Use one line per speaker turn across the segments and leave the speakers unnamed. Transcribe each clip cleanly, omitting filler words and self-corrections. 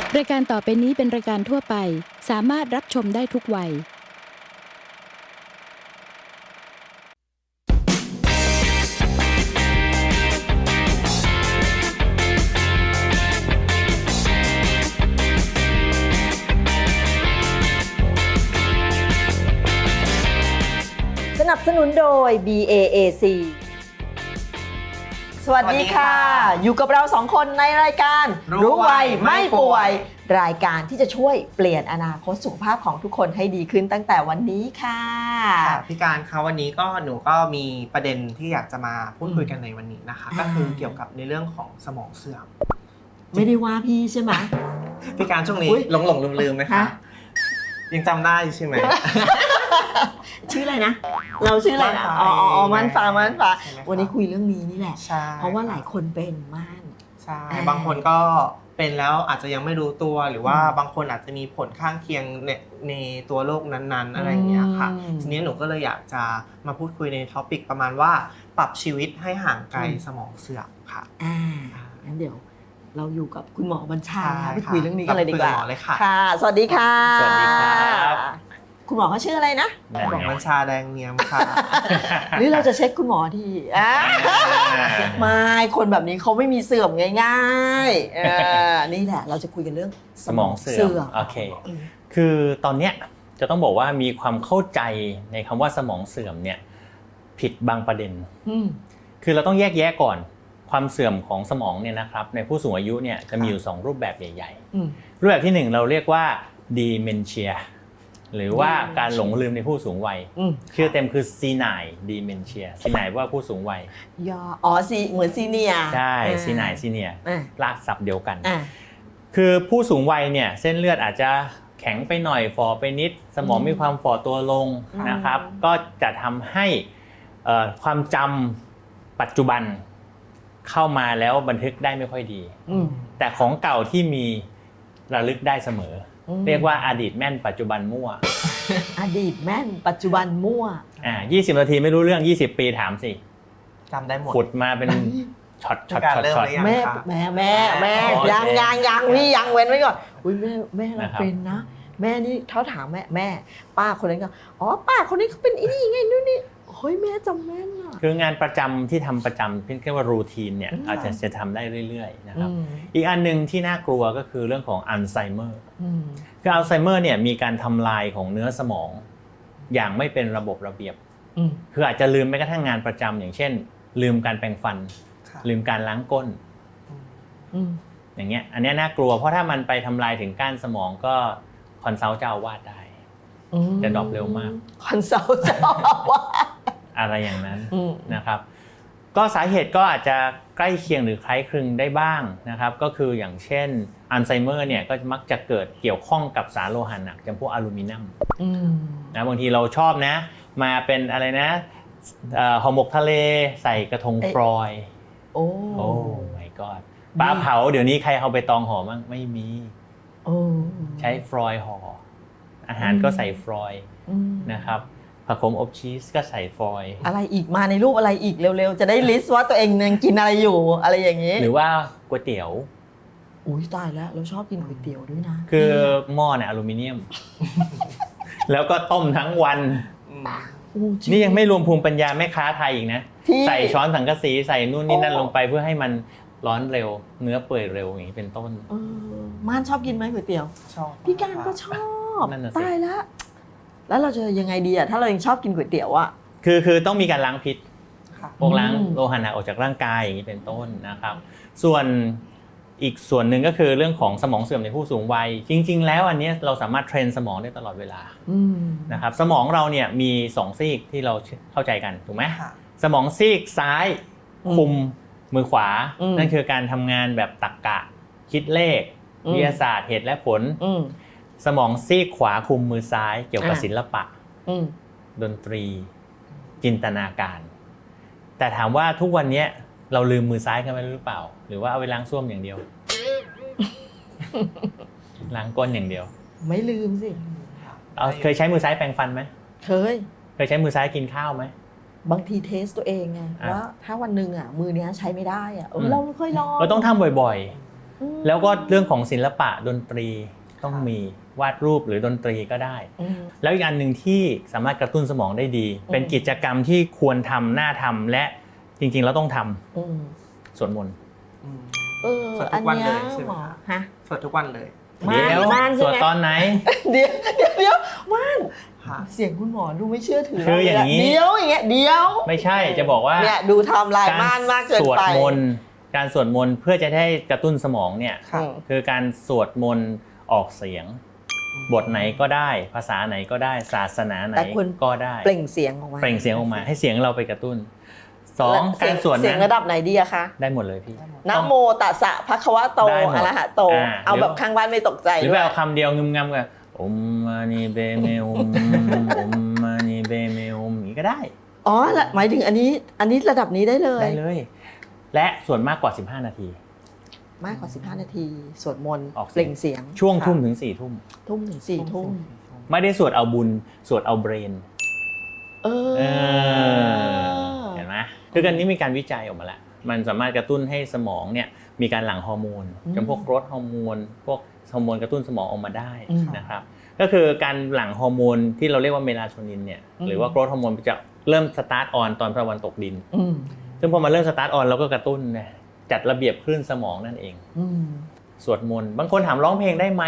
รายการต่อไปนี้เป็นรายการทั่วไปสามารถรับชมได้ทุกวัย
สนับสนุนโดย BAAC สวัสดีค่ะ อยู่กับเราสองคนในรายการรู้ไวไม่ป่วยรายการที่จะช่วยเปลี่ยนอนาคตสุขภาพของทุกคนให้ดีขึ้นตั้งแต่วันนี้ค่ะ
พี่การคะวันนี้หนูก็มีประเด็นที่อยากจะมาพูดคุยกันในวันนี้นะคะก็คือเกี่ยวกับในเรื่องของสมองเสื่อม
ไม่ได้ว่าพี่ใช่ไหม
พี่การช่วงนี้หลงลืมไหมคะยังจำได้ใช่ไหม
ชื่ออะไรนะเราชื่ออะไรนะมันฟ้าวันนี้คุยเรื่องนี้นี่แหละเพราะว่าหลายคนเป็นม่าน
ใช่บางคนก็เป็นแล้วอาจจะยังไม่รู้ตัวหรือว่าบางคนอาจจะมีผลข้างเคียงในตัวโรคนั้นๆอะไรอย่างเงี้ยค่ะทีนี้หนูก็เลยอยากจะมาพูดคุยในท็อปิกประมาณว่าปรับชีวิตให้ห่างไกลสมองเสื่อมค่ะ
งั้นเดี๋ยวเราอยู่กับคุณหมอบัญชาไปคุยเรื่องนี้กันเลยดีกว่า
ค่ะ
สวัสดีค่ะ
สวัสดีครับ
คุณหมอเขาชื่ออะไรนะ
หมอบัญชาแดงเนียมค่ะ
หรือเราจะเช็คคุณหมอที่ไม่คนแบบนี้เขาไม่มีเสื่อมง่ายๆนี่แหละเราจะคุยกันเรื่อง
สมองเสื่อมโอเคคือตอนเนี้ยจะต้องบอกว่ามีความเข้าใจในคำว่าสมองเสื่อมเนี่ยผิดบางประเด็นคือเราต้องแยกแยะก่อนความเสื่อมของสมองเนี่ยนะครับในผู้สูงอายุเนี่ยจะมีอยู่2รูปแบบใหญ่ๆรูปแบบที่1เราเรียกว่า dementia หรือว่าการหลงลืมในผู้สูงวัยชื่อเต็มคือ senile dementia senile ว่าผู้สูงวัย
เหมือนซีเนีย
ใช่ senile senior ลากศัพท์เดียวกันคือผู้สูงวัยเนี่ยเส้นเลือดอาจจะแข็งไปหน่อยฝ่อไปนิดสมองมีความฝ่อตัวลงนะครับก็จะทำให้ความจำปัจจุบันเข้ามาแล้วบันทึกได้ไม่ค่อยดีแต่ของเก่าที่มีระลึกได้เสมอเรียกว่าอดีตแม่นปัจจุบันมั่ว
อดีตแม่นปัจจุบันมั่ว
20 นาทีไม่รู้เรื่อง20 ปีถามสิ
จำได้หมด
ขุดมาเป็นช็อต
แม่ยังพี่ยังเว้นไว้ก่อนอุ้ยแม่เราเป็นนะแม่นี่เขาถามแม่ป้าคนนั้นก็ป้าคนนี้เขาเป็นนี่ไงนู่นนี่เฮ้ยแม่จำแม่นอ่ะ
คืองานประจำที่ทำประจำเรียกว่ารูทีนเนี่ยอาจจะทำได้เรื่อยๆนะครับอีกอันนึงที่น่ากลัวก็คือเรื่องของอัลไซเมอร์คืออัลไซเมอร์เนี่ยมีการทำลายของเนื้อสมองอย่างไม่เป็นระบบระเบียบคืออาจจะลืมแม้กระทั่งงานประจำอย่างเช่นลืมการแปรงฟันลืมการล้างก้นอย่างเงี้ยอันนี้น่ากลัวเพราะถ้ามันไปทำลายถึงก้านสมองก็คอนซัลท์เจ้าอาวาสได้จะดรอปเร็วมาก
คอนซัลท์เจ้าอาวาส
อะไรอย่างนั้นนะครับก็สาเหตุก็อาจจะใกล้เคียงหรือคล้ายคลึงได้บ้างนะครับก็คืออย่างเช่นอัลไซเมอร์เนี่ยก็มักจะเกิดเกี่ยวข้องกับสารโลหะหนักจำพวกอลูมิเนียมนะบางทีเราชอบนะมาเป็นอะไรนะห่อหมกทะเลใส่กระทงฟรอยโอ้ my god ปลาเผาเดี๋ยวนี้ใครเอาไปตองห่อมั่งไม่มีใช้ฟรอยห่ออาหารก็ใส่ฟรอยนะครับผักขมอบชีสก็ใส่ฟอยล์
อะไรอีกมาในรูปอะไรอีกเร็วๆจะได้ลิสต์ว่าตัวเองยังกินอะไรอยู่อะไรอย่างนี้
หรือว่าก๋วยเตี๋ยว
อุ้ยตายแล้วเราชอบกินก๋วยเตี๋ยวด้วยนะ
คือหม้อเนี่ยอลูมิเนียมแล้วก็ต้มทั้งวันนี่ยังไม่รวมภูมิปัญญาแม่ค้าไทยอีกนะใส่ช้อนสังกะสีใส่นู่นนี่นั่นลงไปเพื่อให้มันร้อนเร็วเนื้อเปื่อยเร็วอย่างนี้เป็นต้น
ม่านชอบกินไหมก๋วยเตี๋ยว
ชอบ
พี่การก็ชอบตายแล้วเราจะยังไงดีถ้าเรายังชอบกินก๋วยเตี๋ยว
คือต้องมีการล้างพิษพวกล้างโลหะหนักออกจากร่างกายอย่างนี้เป็นต้นนะครับส่วนอีกส่วนหนึ่งก็คือเรื่องของสมองเสื่อมในผู้สูงวัยจริงๆแล้วอันนี้เราสามารถเทรนสมองได้ตลอดเวลานะครับสมองเราเนี่ยมี2ซีกที่เราเข้าใจกันถูกไหมสมองซีกซ้ายคุมมือขวานั่นคือการทำงานแบบตรรกะคิดเลขวิทยาศาสตร์เหตุและผลสมองซีกขวาคุมมือซ้ายเกี่ยวกับศิลปะดนตรีจินตนาการแต่ถามว่าทุกวันนี้เราลืมมือซ้ายกันไปหรือเปล่าหรือว่าเอาไปล้างส้วมอย่างเดียวล้างก้นอย่างเดียว
ไม่ลืมสิ
เคยใช้มือซ้ายแปรงฟันไหมเคยใช้มือซ้ายกินข้าวไหม
บางทีเทสตัวเองไงว่าถ้าวันหนึ่งมือนี้ใช้ไม่ได้เราไม่ค่อยลอง
เราต้องทำบ่อยแล้วก็เรื่องของศิลปะดนตรีต้องมีวาดรูปหรือดนตรีก็ได้แล้วอีกอันหนึ่งที่สามารถกระตุ้นสมองได้ดีเป็นกิจกรรมที่ควรทำน่าทำและจริงๆแล้วต้องทำสวดมนต์
สวดทุกวันเลยใช่ไหมคะ
ฮะ
สวดทุกวันเลย
เดี๋ยวสวดตอนไหน
เดี๋ยวม่านเสียงคุณหมอดูไม่เชื่อถือ
คืออย่างนี้
เดี๋ยวอย่างเงี้ยเดี๋ยว
ไม่ใช่จะบอกว่า
เนี่ยดูไทม์ไลน์ม่านมากเกินไป
การสวดมนต์เพื่อจะได้กระตุ้นสมองเนี่ย
ค่ะ
คือการสวดมนต์ออกเสียง บทไหนก็ได้ภาษาไหนก็ได้ศาสนาไหน
แต่คุณ
ก็ได้
เปล่งเสียงออกมา
เปล่งเสียงออกมาให้เสียงเราไปกระตุ้นสองการสวด
เสียง
นั้น
ระดับไหนดีอะคะ
ได้หมดเลยพี่
นะโมตัสสะภะคะวะโต
ได้หมด
อะระหะโต เอาแบบข้างบ้านไม่ตกใจ
หรือ
ด้
ไป
วย
เอาคำเดียวงึมงำกันอมมานีเบเมอมอมมานีเบเมอมอย่างนี้ก็ได้
อ๋อหมายถึงอันนี้ระดับนี้ได้เลย
ได้เลย และส่วนมากกว่า15นาที
มากกว่า15นาทีสวดมนต์
ออกเสี
เป
ยง
ล่งเสียง
ช่วงทุ่ม
ค่ะ
ถึง4 ทุ่ม
ทุ่มถึง4 ทุ่ม
ไม่ได้สวดเอาบุญสวดเอาเบรน
เออ
เห็นไหมคือกันนี้มีการวิจัยออกมาแล้วมันสามารถกระตุ้นให้สมองเนี่ยมีการหลั่งฮอร์โมนจำพวกกรดฮอร์โมนพวกฮอร์โมนกระตุ้นสมองออกมาได้นะครับก็คือการหลั่งฮอร์โมนที่เราเรียกว่าเมลาโทนินเนี่ยหรือว่ากรดฮอร์โมนจะเริ่มสตาร์ทออนตอนตะวันตกดินซึ่งพอมาเริ่มสตาร์ทออนเราก็กระตุ้นนะจัดระเบียบคลื่นสมองนั่นเองสวดมนต์บางคนถามร้องเพลงได้ไหม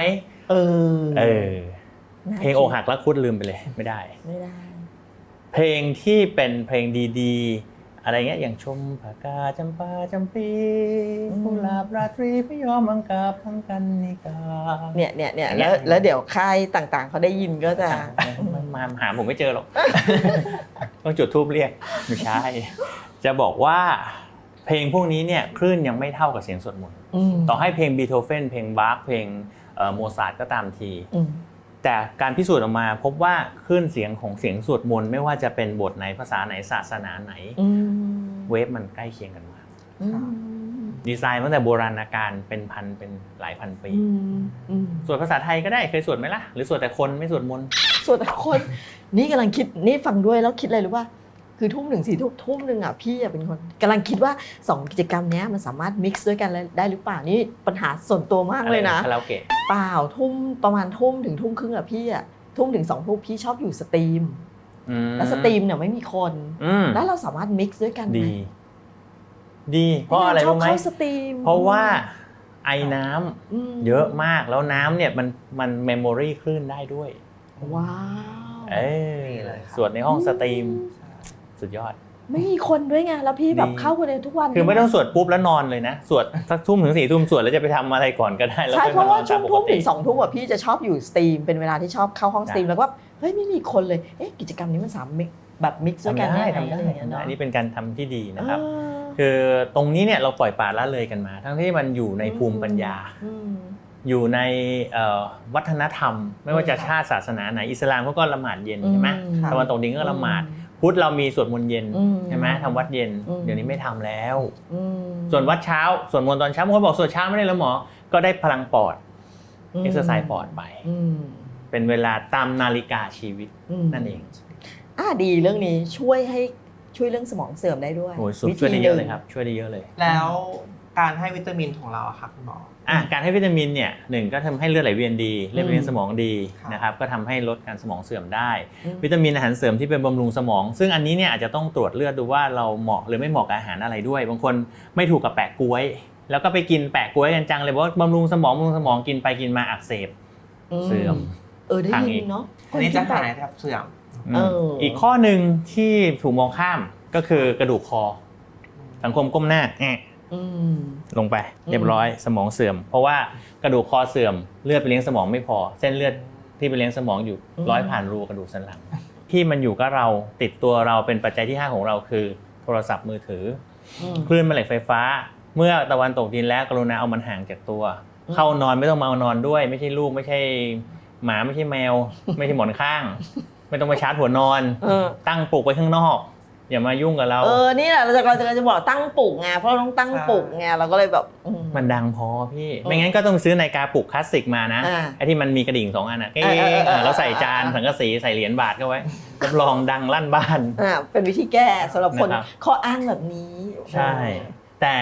เพลงอกหักรักคุดลืมไปเลยไม่ได้เพลงที่เป็นเพลงดีๆอะไรเงี้ยอย่างชมผากาจำปาจำปีกุหลาบราตรีพยอมอังกาบทั้งกันนิกา
เนี่ยแล้วเดี๋ยวค่ายต่างๆเขาได้ยินก็จะ
มาหาผมไม่เจอหรอก ต้องจุดธูปเรียกไม่ใช่จะบอกว่าเพลงพวกนี้เนี่ยคลื่นยังไม่เท่ากับเสียงสวดมนต์ต่อให้เพลงบีโธเฟนเพลงบาร์กเพลงโมซาร์ทก็ตามทีแต่การพิสูจน์ออกมาพบว่าคลื่นเสียงของเสียงสวดมนต์ไม่ว่าจะเป็นบทไหนภาษาไหนศาสนาไหนเวฟมันใกล้เคียงกันมากดีไซน์ตั้งแต่โบราณกาลเป็นหลายพันปีสวดภาษาไทยก็ได้เคยสวดไหมล่ะหรือสวดแต่คนไม่สวดมนต์
สวดแต่คนนี่กำลังคิดนี่ฟังด้วยแล้วคิดอะไรรู้ป่ะคือทุ่มหนึ่ง4 ทุ่มหนึ่งอ่ะพี่เป็นคนกำลังคิดว่า2กิจกรรมนี้มันสามารถมิกซ์ด้วยกันได้หรือเปล่านี่ปัญหาส่วนตัวมากเลยนะ
คาราโอเกะ
เปล่าประมาณทุ่มถึงทุ่มครึ่งอ่ะพี่อ่ะทุ่มถึง2 ทุ่มพี่ชอบอยู่สตรีมแล้วสตรีมเนี่ยไม่มีคนแล้วเราสามารถมิกซ์ด้วยกันไหม
ดีเพราะอะไรรู้ไหมเพราะว่าไอน้ำเยอะมากแล้วน้ำเนี่ยมันเมมโมรีคลื่นได้ด้วย
ว้าว
สวดในห้องสตรีมสุดยอด
ไม่มีคนด้วยไงแล้วพี่แบบเข้าคนเดียวทุกวัน
คือไม่ต้องสวดปุ๊บแล้วนอนเลยนะสวดสักทุ่มถึง4 ทุ่มสวดแล้วจะไปทำอะไรก่อนก็ได้
ใช่เพราะว่าช่วงทุ่มถึง2 ทุ่มอ่ะพี่จะชอบอยู่สตรีมเป็นเวลาที่ชอบเข้าห้องสตรีมแล้วก็เฮ้ยไม่มีคนเลยกิจกรรมนี้มันสามารถแบบมิกซ์ด้วยกันได้อะไรอย่างเงี้ยเนาะ
นี่เป็นการทำที่ดีนะครับคือตรงนี้เนี่ยเราปล่อยปละละเลยกันมาทั้งที่มันอยู่ในภูมิปัญญาอยู่ในวัฒนธรรมไม่ว่าจะชาติศาสนาไหนอิสลามเขาก็ละหมาดเย็นใช่ไหมตะวันตกดินก็ละหมาดพุทธเรามีสวดมนต์เย็นใช่ไหมทำวัดเย็นเดี๋ยวนี้ไม่ทำแล้วส่วนวัดเช้าสวดมนต์ตอนเช้าบางคนบอกสวดเช้าไม่ได้แล้วหมอก็ได้พลังปอดเอ็กซ์ไซส์ปอดไปเป็นเวลาตามนาฬิกาชีวิตนั่นเอง
ดีเรื่องนี้ช่วยเรื่องสมองเสื่อมได้ด้วย
ช่วยได้เยอะเลยครับช่วยได้เยอะเลย
แล้วการให้วิตามินของเราครับคุณหมอ
การให้วิตามินเนี่ย1ก็ทำให้เลือดไหลเวียนดีเลือดเวียนสมองดีนะครับก็ทำให้ลดการสมองเสื่อมได้วิตามินอาหารเสริมที่เป็นบำรุงสมองซึ่งอันนี้เนี่ยอาจจะต้องตรวจเลือดดูว่าเราเหมาะหรือไม่เหมาะกับอาหารอะไรด้วยบางคนไม่ถูกกับแปะก๊วยแล้วก็ไปกินแปะก๊วยกันจังเลยว่าบำรุงสมองกินไปกินมาอักเสบเสื่อม
ได้ยินเนาะ
อันนี้จะหายครับเสื่อม
อีกข้อหนึ่งที่ถูกมองข้ามก็คือกระดูกคอสังคมก้มหน้าลงไปเรียบร้อยสมองเสื่อมเพราะว่ากระดูกคอเสื่อมเลือดไปเลี้ยงสมองไม่พอเส้นเลือดที่ไปเลี้ยงสมองอยู่ร้อยผ่านรูกระดูกสันหลังที่มันอยู่กับเราติดตัวเราเป็นปัจจัยที่5ของเราคือโทรศัพท์มือถือคลื่นแม่เหล็กไฟฟ้าเมื่อตะวันตกดินแล้วกรุณาเอามันห่างจากตัวเข้านอนไม่ต้องมาเอานอนด้วยไม่ใช่ลูกไม่ใช่หมาไม่ใช่แมวไม่ใช่หมอนข้างไม่ต้องมาชาร์จหัวนอนตั้งปลุกไว้ข้างนอกอย่ามายุ่งกับเรา
นี่แหละเราจะบอกตั้งปลุกไงเพราะต้องตั้งปลุกไงเราก็เลยแบบ
มันดังพอพี่ไม่งั้นก็ต้องซื้อนาฬิกาปลุกคลาสสิกมานะไอ้ที่มันมีกระดิ่ง2 อันอ่ะแล้วใส่จานสังกะสีใส่เหรียญบาทเข้าไว้รับรองดังลั่นบ้าน
เป็นวิธีแก้สำหรับคนข้ออ้างแบบนี้
ใช่แต่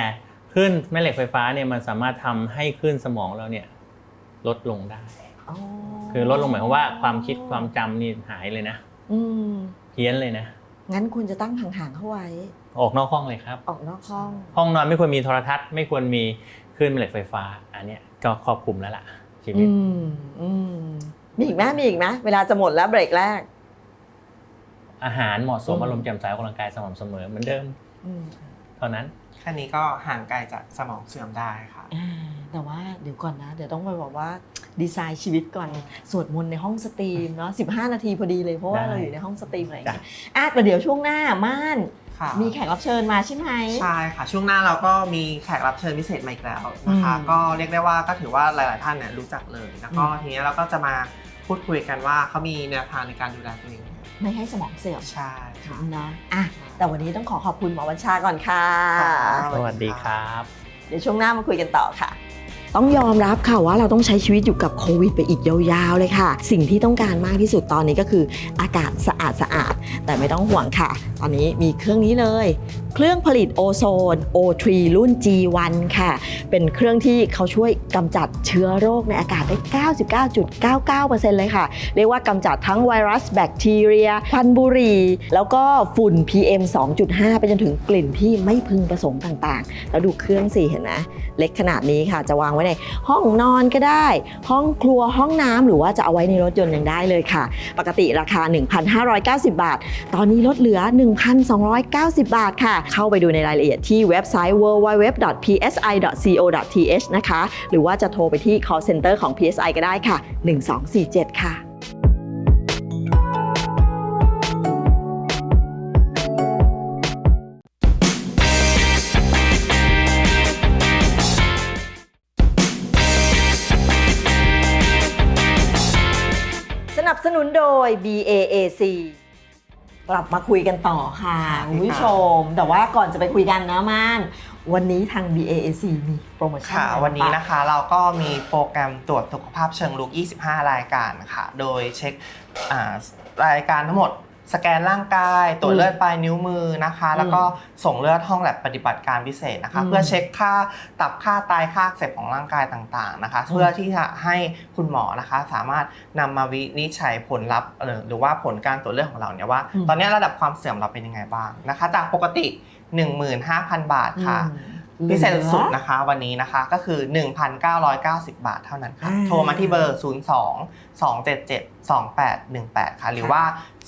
คลื่นแม่เหล็กไฟฟ้าเนี่ยมันสามารถทำให้คลื่นสมองเราเนี่ยลดลงได้
อ๋อ
คือลดลงหมายความว่าความคิดความจำนี่หายเลยนะ
อืม
เพี้ยนเลยนะ
งั้นคุณจะตั้งห่างๆเข้าไว้
ออกนอกห้องเลยครับ
ออกนอกห้อง
ห้องนอนไม่ควรมีโทรทัศน์ไม่ควรมีคลื่นแม่เหล็กไฟฟ้าอันเนี้ยก็ครอบคลุมแล้วล่ะชีวิต
อืมมีอีกไหมเวลาจะหมดแล้วเบรกแรก
อาหารเหมาะสมอารมณ์แจ่มใสออกกำลังกายสม่ำเสมอเหมือนเดิม
อืม
เท่านั้น
แค่นี้ก็ห่างไกลจากสมองเสื่อมได้ค่ะ
แต่ว่าเดี๋ยวก่อนนะ เดี๋ยวต้องไปบอกว่าดีไซน์ชีวิตก่อนสวดมนต์ในห้องสตรีมเนาะ15 นาทีพอดีเลยเพราะว่า
ได้
เราอยู่ในห้องสตรีมอะไรอย่างเงี้ยแต่เดี๋ยวช่วงหน้าม่าน
ค่ะ
มีแขกรับเชิญมาใช่ไหม
ใช่ค่ะ ช่วงหน้าเราก็มีแขกรับเชิญพิเศษมาอีกแล้วนะคะ ก็เรียกได้ว่าก็ถือว่าหลาย ๆ ท่านเนี่ยรู้จักเลยแล้วก็ทีนี้เราก็จะมาพูดคุยกันว่าเขามีแนวทางในการดูแลตัวเอง
ไม่ให้สมองเสื่อม
ใช่ค่ะ
นะแต่วันนี้ต้องขอบคุณหมอวัญชาก่อนค่ะ
ค่ะ
สวัสดีครับ
เดี๋ยวช่วงหน้ามาคุยกันต่อค่ะ ต้องยอมรับค่ะว่าเราต้องใช้ชีวิตอยู่กับโควิดไปอีกยาวๆเลยค่ะ สิ่งที่ต้องการมากที่สุดตอนนี้ก็คืออากาศสะอาดแต่ไม่ต้องห่วงค่ะ ตอนนี้มีเครื่องนี้เลย เครื่องผลิตโอโซน O3 รุ่น G1 ค่ะ เป็นเครื่องที่เขาช่วยกำจัดเชื้อโรคในอากาศได้ 99.99% เลยค่ะ เรียกว่ากำจัดทั้งไวรัสแบคทีเรียควันบุหรี่แล้วก็ฝุ่น PM 2.5 ไปจนถึงกลิ่นที่ไม่พึงประสงค์ต่างๆ แล้วดูเครื่องสิเห็นไหมเล็กขนาดนี้ค่ะจะวางไว้ในห้องนอนก็ได้ ห้องครัวห้องน้ำหรือว่าจะเอาไว้ในรถยนต์ยังได้เลยค่ะ ปกติราคา 1,590 บาท ตอนนี้ลดเหลือ 1,290 บาทค่ะ เข้าไปดูในรายละเอียดที่เว็บไซต์ www.psi.co.th นะคะ หรือว่าจะโทรไปที่ call center ของ PSI ก็ได้ค่ะ 1247 ค่ะ สนับสนุนโดย BAAC กลับมาคุยกันต่อค่ะคุณผู้ชม แต่ว่าก่อนจะไปคุยกันนะม่านวันนี้ทาง BAAC มีโปรโมชั่น
ค่ะ
อะไร
วันนี้
บ้าง
นะคะเราก็มีโปรแกรมตรวจสุขภาพเชิงรุก 25 รายการค่ะ โดยเช็ครายการทั้งหมดสแกนร่างกายตรวจเลือดปลายนิ้วมือนะคะ แล้วก็ส่งเลือดห้องแลบปฏิบัติการพิเศษนะคะเพื่อเช็คค่าตับค่าไตค่าอักเสบของร่างกายต่างๆนะคะเพื่อที่จะให้คุณหมอนะคะสามารถนำมาวินิจฉัยผลลัพธ์หรือว่าผลการตรวจเลือดของเราเนี่ยว่าตอนนี้ระดับความเสื่อมเราเป็นยังไงบ้างนะคะจากปกติ 15,000 บาทค่ะพิเศษสุดนะคะวันนี้นะคะก็คือ 1,990 บาทเท่านั้นค่ะโทรมาที่เบอร์ 02-277-2818 ค่ะหรือว่า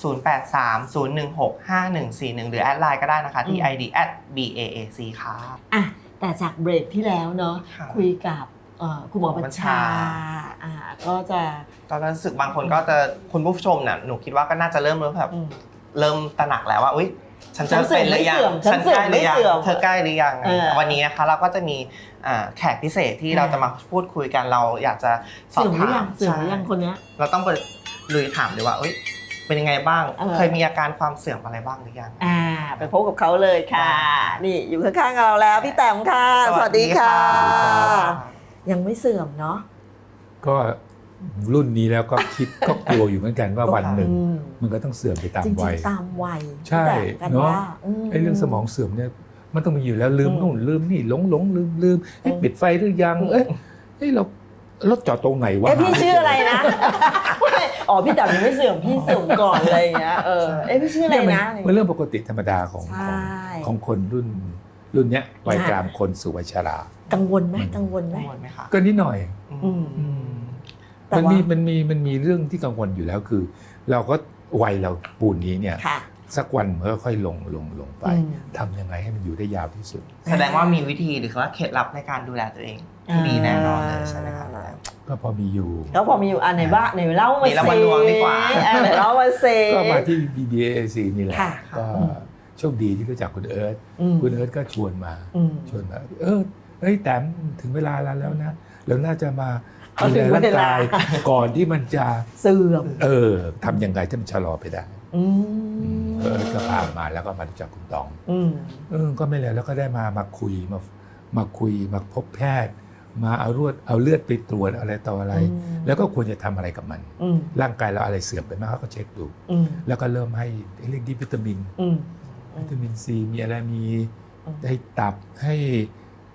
0830165141 หรือแอดไลน์ก็ได้นะคะที่ ID @BAAC ค่ะ
แต่จากเบรกที่แล้วเนาะ
ค่ะ
คุยกับคุณหมอบัญชาก็จะ
ตอนนั้นรู้สึกบางคนก็จะคุณผู้ชมเนี่ยหนูคิดว่าก็น่าจะเริ่มแบบเริ่มตระหนักแล้วว่าอุ๊ยฉันจะเป็นหรือยังฉันใกล้หรือยังเธอใกล้หรือยังวันนี้นะคะเราก็จะมีแขกพิเศษที่เราจะมาพูดคุยกันเราอยากจะสอบถาม
เสื่อมหรือยังคนเนี้ย
เราต้องไปลุยถามเลยว่าอุ๊ยเป็นยังไงบ้างเคยมีอาการความเสื่อมอะไรบ้างหรือยัง
ไปพบกับเขาเลยค่ะ นี่อยู่ข้างๆเราแล้วพี่แต้มค่ะสวัสดีค่ะ ยังไม่เสื่อมเนาะ
ก็รุ่นนี้แล้วก็คิด ก็กลัวอยู่เหมือนกันว่าวันหนึ่งมันก็ต้องเสื่อมไปตาม
จริ
วัย
งๆตามวัย
ใช่เนาะไอ้เรื่องสมองเสื่อมเนี่ยมันต้องมีอยู่แล้วลืมนู่นลืมนี่หลงลืมปิดไฟหรือยังเรารถจอดตรงไหนวะ
พี่ชื่ออะไรนะอ๋อพี่แต้มยังไม่เสื่อมพี่เสื่อมก่อนอะไรอย่างเงี้ยพี่ชื่ออะไรนะ
มันเรื่องปกติธรรมดาของคนรุ่นเนี้ยวัยกลางคนสู่วัยชรา
กังวลไหม
คะ
ก็นิดหน่อย
แต่
มัน
ว่า
มีเรื่องที่กังวลอยู่แล้วคือ เราก็วัยเราปูนนี้เนี่ยสักวันมันก็ค่อยลงไปทำยังไงให้มันอยู่ได้ยาวที่สุด
แสดงว่ามีวิธีหรือว่าเคล็ดลับในการดูแลตัวเองที่ดีแน่นอนเลยใช่ไหมครับ
ก็พอมีอยู่
ไหนบ้างไหนเล่ามา
เรามาดวงดีกว่า
ไหนเล่ามาเซ
ก็มาที่ BBAC นี่แหละก็โชคดีที่รู้จักคุณเอิร์ธคุณเอิร์ธก็ชวนมาเฮ้ยแต่ถึงเวลาแล้วนะเราน่าจะมาดูแลร่างกายก่อนที่มันจะ
เสื่อม
ทำยังไงที่มันชะลอไปได้ก็พามาแล้วก็มารู้จักคุณตองก็ไม่เลยแล้วก็ได้มาคุยมาพบแพทย์มาเอาเลือดไปตรวจอะไรต่ออะไรแล้วก็ควรจะทำอะไรกับมันร่างกายเราอะไรเสื่อมไปมากก็เช็คดูแล้วก็เริ่มให้เรียกวิตามินซีมีอะไรมีให้ตับให้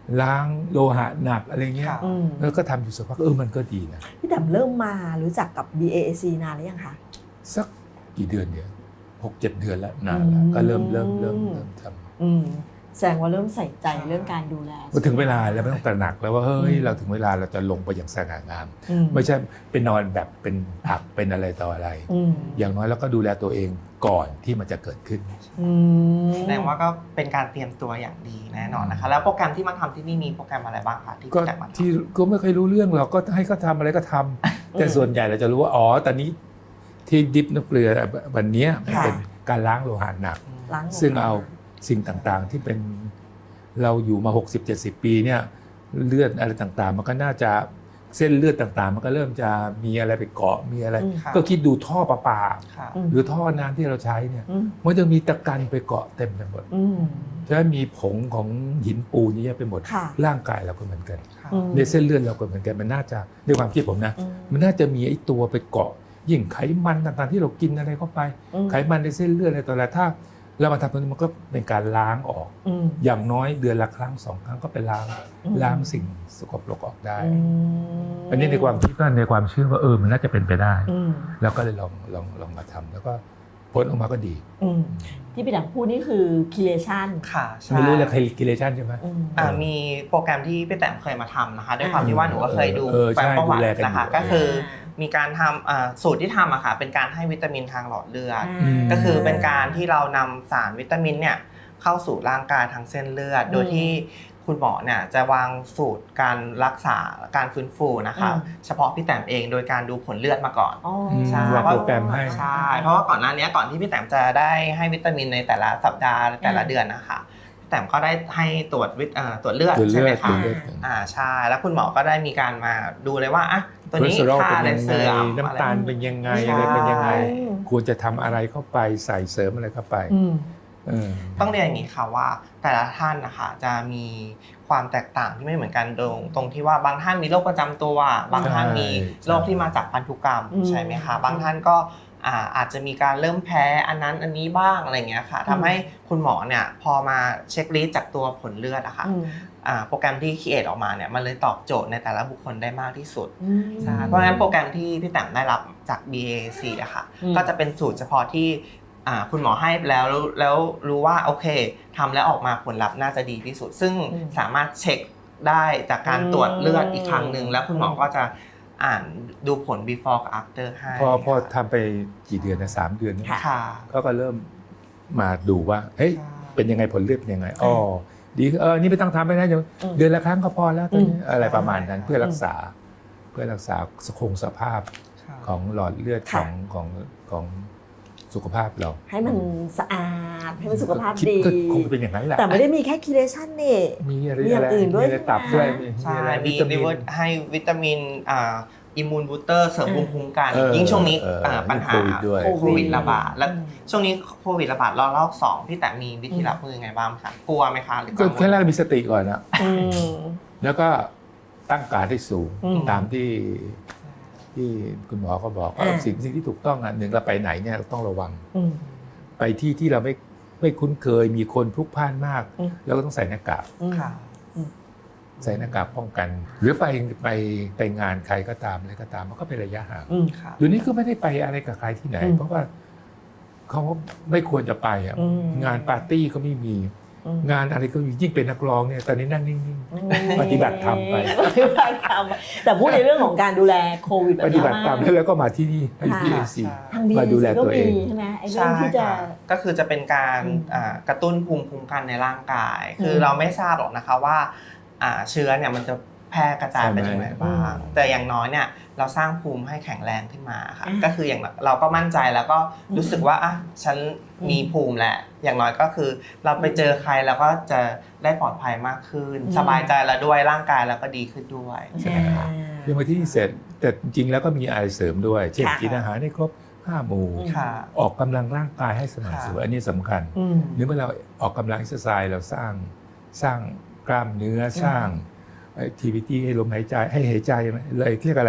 ล้างโลหะหนักอะไรเงี้ย
ค่ะ
แล้วก็ทำอยู่สักพักมันก็ดีนะ
พี่แต้มเริ่มมารู้จักกับ BAC นานหรือยังคะ
สักกี่เดือนเดียว6-7 เดือนแล้วนานแล้วก็เริ่มทำ
แสดงว่าเริ่มใส่ใจเรื่องการดูแล
ก็ถึงเวลาแล้วไม่ต้องตระหนักแล้วว่าเฮ้ยเราถึงเวลาเราจะลงไปอย่างสง่างาม ไม่ใช่ไปนอนแบบเป็นผักเป็นอะไรต่ออะไร อย่างน้อยเราก็ดูแลตัวเองก่อนที่มันจะเกิดขึ้น
แสดงว่าก็เป็นการเตรียมตัวอย่างดีแน่นอนนะคะ แล้วโปรแกรมที่มาทำที่นี่มีโปรแกรมอะไรบ้างคะที่
ก็
แต่มาทำ
ที่ก็ไม่เคยรู้เรื่องหรอกก็ให้เขาทำอะไรก็ทำแต่ส่วนใหญ่เราจะรู้ว่าอ๋อตอนนี้ที่ดิฟน้ำเกลือวันนี้มันเป็นการล้างโลหะหนัก
ล้าง
ซึ่งเอาสิ่งต่างๆที่เป็นเราอยู่มา 60-70 ปีเนี่ยเลือดอะไรต่างๆมันก็น่าจะเส้นเลือดต่างๆมันก็เริ่มจะมีอะไรไปเกาะมีอะไร
ค่ะ
ก็คิดดูท่อประปา
ค่ะ
หรือท่อน้ำที่เราใช้เนี่ยมันจะมีตะกันไปเกาะเต็มไปหมดใช่ไหมมีผงของหินปูนเยอะไปหมด
ค่ะ
ร่างกายเราก็เหมือนกัน
ค่ะ
ในเส้นเลือดเราก็เหมือนกันมันน่าจะในความคิดผมนะมันน่าจะมีไอ้ตัวไปเกาะยิ่งไขมันต่างๆที่เรากินอะไรเข้าไป ไขมันในเส้นเลือดอะไรต่ออะไรถ้าเรามาทำตรงนี้มันก็เป็นการล้างออก อย่างน้อยเดือนละครั้ง2 ครั้งก็ไปล้างสิ่งสกปรกออกได้ อันนี้ในความคิดก็ในความเชื่อว่ามันน่าจะเป็นไปได้ แล้วก็เลยลองมาทำแล้วก็ผลออกมาก็ดี
ที่พี่แต้มพูดนี่คือคิเลชัน
ค่ะใช่
ไม่รู้เลยใครกิเลชันใช่ไหม
มีโปรแกรมที่พี่แต้มเคยมาทำนะคะด้วยความที่ว่าหนูก็เคยดู
ใช่
แฟ้มประวัติ
ดูแลกันอยู่
นะคะก็คือมีการทำสูตรที่ทำอะค่ะเป็นการให้วิตามินทางหลอดเลือด
ม
ก็คือเป็นการที่เรานำสารวิตามินเนี่ยเข้าสู่ร่างกายทางเส้นเลือด โดยที่คุณหมอเนี่ยจะวางสูตรการรักษาการฟื้นฟูนะคะเฉพาะพี่แต้มเองโดยการดูผลเลือดมาก่อน ใช่
วางโปรแกรมให้
ใช่เพราะว่าก่อนหน้านี้ก่อนที่พี่แต้มจะได้ให้วิตามินในแต่ละสัปดาห์แต่ละเดือนนะคะพี่แต้มก็ได้ให้ตรวจตรวจเลือดใช่ไหมคะ ใช่แล้วคุณหมอก็ได้มีการมาดูเลยว่าอ่ะตัวนี้
คอเลสเตอรอล
ค่า
เป็น
เล
ยังไง
เสื่อม
น้ำตาลเป็นยังไง
ใช่
อะไรเป็นยังไงควรจะทำอะไรเข้าไปใส่เสริมอะไรเข้าไป
ต้องเรียนอย่างนี้ค่ะว่าแต่ละท่านนะคะจะมีความแตกต่างที่ไม่เหมือนกันตรงที่ว่าบางท่านมีโรคประจำตัวบางท่านมีโรคที่มาจากพันธุกรรมใช่ไหมคะบางท่านก็อาจจะมีการเริ่มแพ้อันนั้นอันนี้บ้างอะไรเงี้ยค่ะทำให้คุณหมอเนี่ยพอมาเช็คลิสต์จากตัวผลเลือดอะค่ะโปรแกรมที่คิดออกมาเนี่ยมันเลยตอบโจทย์ในแต่ละบุคคลได้มากที่สุดใช่เพราะงั้นโปรแกรมที่พี่แต้มได้รับจาก BAC อะค่ะก็จะเป็นสูตรเฉพาะที่คุณหมอให้แล้วรู้ว่าโอเคทำแล้วออกมาผลลัพธ์น่าจะดีที่สุดซึ่งสามารถเช็คได้จากการตรวจเลือดอีกครั้งหนึ่งแล้วคุณหมอก็จะอ่านดูผล before กับ after ให้
พอทำไปกี่เดือนนะ3 เดือน
ค่ะ
ก็เริ่มมาดูว่าเฮ้ยเป็นยังไงผลเลือดเป็นยังไงอ๋อดีนี่ไม่ต้องทำไปนะเดือนละครั้งก็พอแล้วตอนนี้อะไรประมาณนั้นเพื่อรักษาคงสภาพของหลอดเลือดของสุขภาพเรา
ให้มันสะอาดให้มันสุขภาพ
คิด
ดี
ก็คงเป็นอย่างนั้นแหละ
แต่ไม่ได้มีแค่คิเลชันนี่
มีอะไร
มีอย่างอื่นด้วย
มีอะไรตับด้วย
ใช่
อะไร
มี
วิตามิน
ให้วิตามินอิมมูนบูสเตอร์เสริมภูมิคุ้มกันยิ่งช่วงนี้ปัญหา
โควิดด้วย
โควิดระบาดแล้วช่วงนี้โควิดระบาดรอบ2พี่แต่มีวิธีรับมือยังไงบ้างคะกลัวไหมคะหรือ
ก็แค่แรกมีสติก่อนนะแล้วก็ตั้งการให้สูงตามที่คุณหมอเขาบอกว่าสิ่งที่ถูกต้องหนึ่งเราไปไหนเนี่ยเราต้องระวังไปที่เราไม่คุ้นเคยมีคนพลุกพล่านมากแล้วก็ต้องใส่หน้ากาก
ค่ะ
ใส่หน้ากากป้องกัน หรือไปงานใครก็ตามอะไรก็ตามมันก็เป็นระยะห่าง
ค่ะ
เดี๋ยวนี้ก็ไม่ได้ไปอะไรกับใครที่ไหน เพราะว่าเขาไม่ควรจะไปงานปาร์ตี้ก็ไม่มีงานอะไรก็ยิ่งเป็นนักร้องเนี่ยตอนนี้นั่งนิ่งๆปฏิบัติธรรมไป
แต่พูดในเรื่องของการดูแลโควิดแบบ
ปฏิบัติตามแล้วก็มาที่นี่ที่ BAC
ทาง
มาดูแล
ก็
ตัวเอ
มี
ง
ใช่ไหมไอ้เรื่องที่จะ
ก็คือจะเป็นการกระตุ้นภูมิคุ้มกันในร่างกาย คือเราไม่ทราบหรอกนะคะว่าเชื้อเนี่ยมันจะแพร่กระจายไปถึงไหนบ้างแต่อย่างน้อยเนี่ยเราสร้างภูมิให้แข็งแรงขึ้นมาค่ะก็คืออย่างเราก็มั่นใจแล้วก็รู้สึกว่าฉันมีภูมิแหละอย่างน้อยก็คือเราไปเจอใครแล้วก็จะได้ปลอดภัยมากขึ้นสบายใจแล้วด้วยร่างกายแล้วก็ดีขึ้นด้วยใช่ไหมคะ
เรื่องมาที่เสร็จแต่จริงๆแล้วก็มีอะไรเสริมด้วยเช่นกินอาหารให้ครบ5 หมู่
ค่ะ
ออกกำลังร่างกายให้สม่ำเสมออันนี้สำคัญหรือเมื่อเราออกกำลังเอ็กซ์ไซส์เราสร้างกล้ามเนื้อสร้างactivity ให้ลมหายใจให้หายใจเลยเรียกอะไร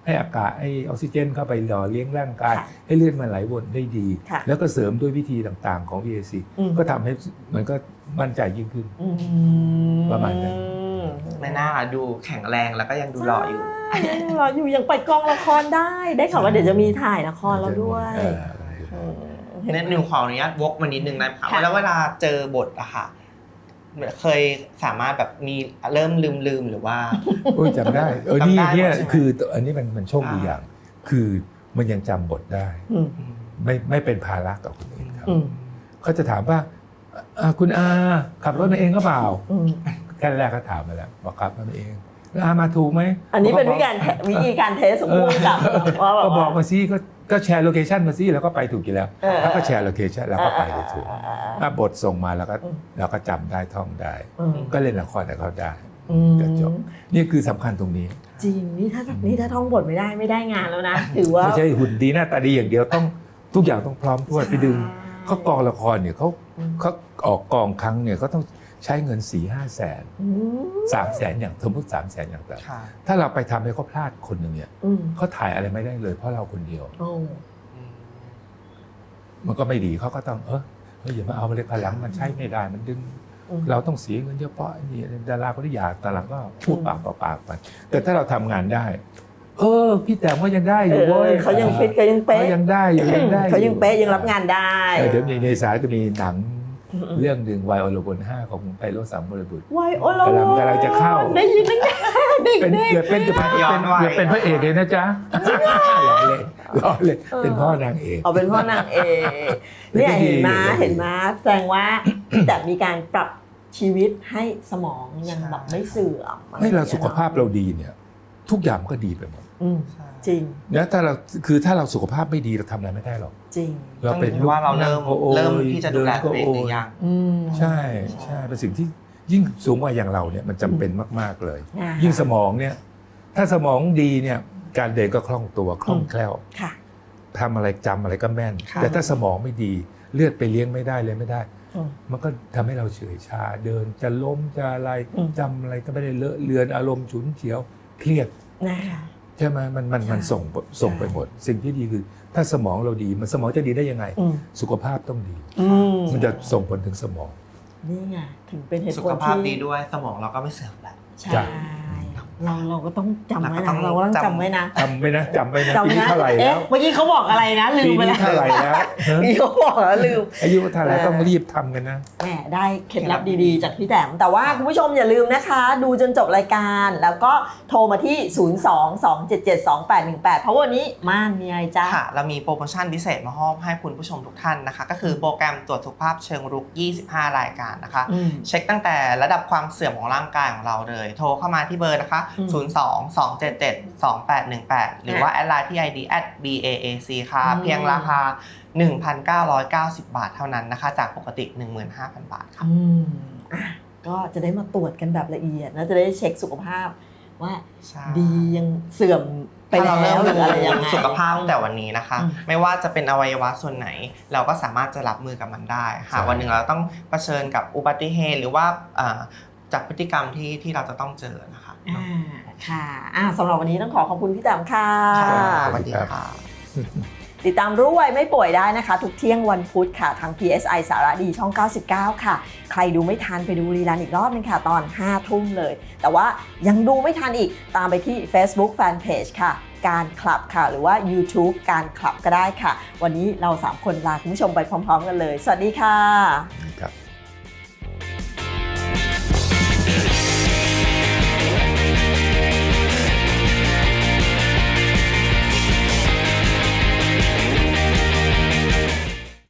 ให้อากาศให้ออกซิเจนเข้าไปหล่อเลี้ยงร่างกาย
ค่ะ
ให้เลือดมันไหลวนได้ดี
ค่ะ
แล้วก็เสริมด้วยวิธีต่างๆของ VAC ก็ทำให้มันก็มั่นใจยิ่งขึ้น ประมาณนั้น
ไม่น่าดูแข็งแรงแล้วก็ยังดูหล่ออยู่
ยังรออยู่ยังไปกองละครได้ข่าวว่าเดี๋ยวจะมีถ่ายละครแล้วด้วย
เนี่ยหนูขออนุญาตวกมานิดนึงนะคะ
ค่ะ
แล้วเวลาเจอบทอะค่ะเคยสามารถแบบมีเริ่มลืมหรือว่า
โอ้ยจำได้นี่
จำได้
เนี่ย
ใช่ไหม
คืออันนี้มันโชคดีอย่าง คือมันยังจำบทได้ ไม่เป็นภาระกับคนอื่นครับเขาจะถามว่าคุณอาขับรถมาเองก็เปล่าแค่แรกก็ถามมาแล้วบอกขับมาเองแล้วอามาถูกไหม
อันนี้เป็นวิธีการเทสสมมติกับว่า
ก็บอกมาซิก็แชร์โลเคชันมาซิแล้วก็ไปถูกอยู่แล้วแล้วก็แชร์โลเคชันแล้วก็ไปได้ถูกบทส่งมาแล้วก็จำได้ท่องได้ก็เล่นละครแต่เขาได้ก็จบนี่คือสำคัญตรงนี้
จริงนี่ถ้าท่องบทไม่ได้งานแล้วนะถือว่า
ไม่ใช่หุ่นดีหน้าตาดีอย่างเดียวต้องทุกอย่างต้องพร้อมด้วยไปดึงเขากองละครเนี่ยเขาออกกองครั้งเนี่ยเขาต้องใช้เงิน 4-5 แสน3 แสนอย่างสมมติ3 แสนอย่างแต่ถ้าเราไปทำให้เขาพลาดคนหนึ่งเนี่ยเขาถ่ายอะไรไม่ได้เลยเพราะเราคนเดียวมันก็ไม่ดีเขาก็ต้องอย่ามาเอาไปเลยพลังมันใช้ไม่ได้มันดึงเราต้องเสียเงินเยอะเพราะนี่ดาราคนที่อยากแต่หลังก็พูดปากต่อปากไปแต่ถ้าเราทำงานได้พี่แต่ว่ายังได้อยู่เว้ย
เขายังฟิตเขายังเป๊ะ
เขายังได้อยู่ยังได้
เขายังเป๊ะยังรับงานได้
เดี๋ยวในสายจะมีหนังเรื่องหนึ่งวัยอรบล5ของไพโรจน์ สังวรบุตร
วัยโอโล
กำลังจะเข้า
ได้ยินตั้งแต่เด็ก
เกิดเป็นพระเอกเลยนะจ๊ะล้อเล่นเป็นพ่อนางเอก
เอาเป็นพ่อนางเอกเนี่ยเห็นมาแสดงว่าแต่มีการปรับชีวิตให้สมองยังแบบไม่เสื่อม
ให้เราสุขภาพเราดีเนี่ยทุกอย่างก็ดีไปหมด
จริง
นะถ้าเราสุขภาพไม่ดีเราทำอะไรไม่ได้หรอก
จริง
เราเป็น
ว่าเราเริ่มที่จะดูแลตัวเองหรือยัง
ใช่เป็นสิ่งที่ยิ่งสูงวัยอย่างเราเนี่ยมันจำเป็นมากๆเลย ยิ่งสมองเนี่ยถ้าสมองดีเนี่ยการเดินก็คล่องตัวคล่องแคล่วทำอะไรจำอะไรก็แม่นแต่ถ้าสมองไม่ดีเลือดไปเลี้ยงไม่ได้เลยไม่ได้มันก็ทำให้เราเฉยชาเดินจะล้มจะอะไรจำอะไรก็ไม่ได้เลอะเลือนอารมณ์ฉุนเฉียวเครียดใช่ไหมมันส่งไปหมดสิ่งที่ดีคือถ้าสมองเราดีมันสมองจะดีได้ยังไงสุขภาพต้องดีมันจะส่งผลถึงสมอง
นี่ไงถึงเป็นเหตุผล
สุขภาพดีด้วยสมองเราก็ไม่เสื่อมแบบ
ใช่เราก็ต้องจำไว้นะเราก็ต้องจำไว้นะปีนี้เท่าไหร่แล้วเมื่อกี้เขาบอกอะไรนะลืมไปแล้ว
ปีนี้เท่าไหร่แล้ว
ปีเขาบอกแล้วลืม
อายุเท่าไหร่ต้องรีบทำกันนะ
แหมได้เคล็ดลับดีๆจากพี่แต้มแต่ว่าคุณผู้ชมอย่าลืมนะคะดูจนจบรายการแล้วก็โทรมาที่ 02-277-2818 เพราะวันนี้ม่านมีอะไรจ้า
ค่ะเรามีโปรโมชั่นพิเศษมาให้คุณผู้ชมทุกท่านนะคะก็คือโปรแกรมตรวจสุขภาพเชิงรุก25 รายการนะคะเช็คตั้งแต่ระดับความเสื่อมของร่างกายของเราเลยโทรเข้ามาที่เบอร์นะคะ02-277-2818 หรือว่าแอดไลน์ที่ ID @BAAC ค่ะเพียงราคา 1,990 บาทเท่านั้นนะคะจากปกติ 15,000 บาทค่ะ
ก็จะได้มาตรวจกันแบบละเอียดนะจะได้เช็คสุขภาพว่าดียังเสื่อมไปแล้วหรืออะไรยังไง
สุขภาพตั้งแต่วันนี้นะคะไม่ว่าจะเป็นอวัยวะส่วนไหนเราก็สามารถจะรับมือกับมันได้หากวันหนึ่งเราต้องเผชิญกับอุบัติเหตุหรือว่าจากพฤติกรรมที่เราจะต้องเจอนะคะ
ค่ะสำหรับวันนี้ต้องขอบคุณพี่แต้มค่ะ
สวัสดีค่ะ
ติดตามรู้ไวไม่ป่วยได้นะคะทุกเที่ยงวันพุธค่ะทาง PSI สารดีช่อง99ค่ะใครดูไม่ทันไปดูรีลันอีกรอบนึงค่ะตอน 5 ทุ่มเลยแต่ว่ายังดูไม่ทันอีกตามไปที่ Facebook Fanpage ค่ะการคลับค่ะหรือว่า YouTube การคลับก็ได้ค่ะวันนี้เรา3คนลาคุณผู้ชมไปพร้อมๆกันเลยสวัสดีค่ะ